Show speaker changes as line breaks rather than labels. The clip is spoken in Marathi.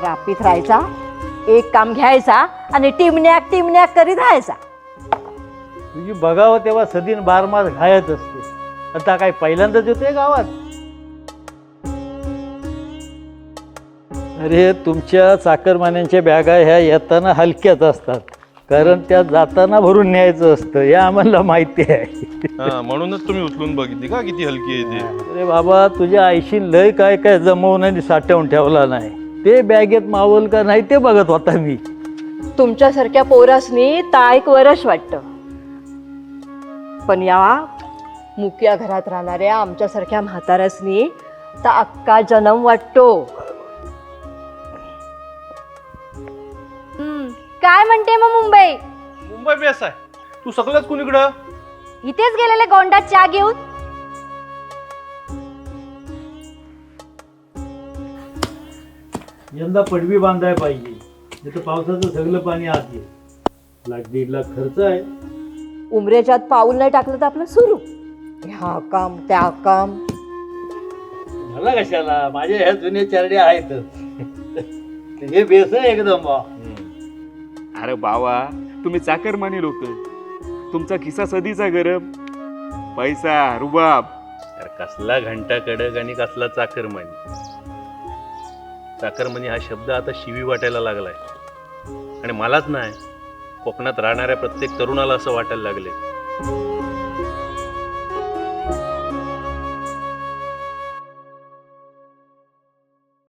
तापीत राहायचा, एक काम घ्यायचा आणि टिमण्याक टिमण्याक करीत राहायचा.
तुझी बघावं तेव्हा सदीन बारमास घायत असते. आता काय पहिल्यांदाच येतोय गावात? अरे तुमच्या चाकरमान्यांच्या बॅगा ह्या येताना हलक्याच असतात, कारण त्या जाताना भरून न्यायचं असतं हे आम्हाला माहिती आहे.
म्हणूनच तुम्ही उचलून बघितली का किती हलकी आहे ती.
अरे बाबा तुझ्या आईशी लय काय काय जमवून आणि साठवून ठेवला नाही, ते बॅगेत मावल का नाही ते बघत होता मी.
तुमच्यासारख्या पोरासनी ता एक वरश वाटतं, पण या मुक्या घरात राहणाऱ्या आमच्यासारख्या म्हाताऱ्यासनी तर अक्का जन्म वाटतो.
काय म्हणते मग मुंबई?
मुंबई बेस आहे. तू सगळंच कुणीकडं?
इथेच गेलेले गोंडात चहा घेऊन.
यंदा पडवी बांधाय पाहिजे, नाही तर पावसाचं सगळं पाणी आत येईल. 1-1.5 लाख खर्च आहे.
उमरेच्यात पाऊल नाही टाकलं तर आपलं सुरू, ह्या काम त्या काम.
मला कशाला, माझ्या ह्या जुन्या चारड्या आहेतच. हे बेस आहे एकदम बा.
अरे बावा, तुम्ही चाकरमानी लोक, तुमचा खिसा सदीचा गरम, पैसा रुबाब.
अरे कसला घंटा कडक आणि कसला चाकरमानी. चाकरमानी हा शब्द आता शिवी वाटायला लागलाय, आणि मलाच नाही, कोकणात राहणाऱ्या प्रत्येक तरुणाला असं वाटायला लागले.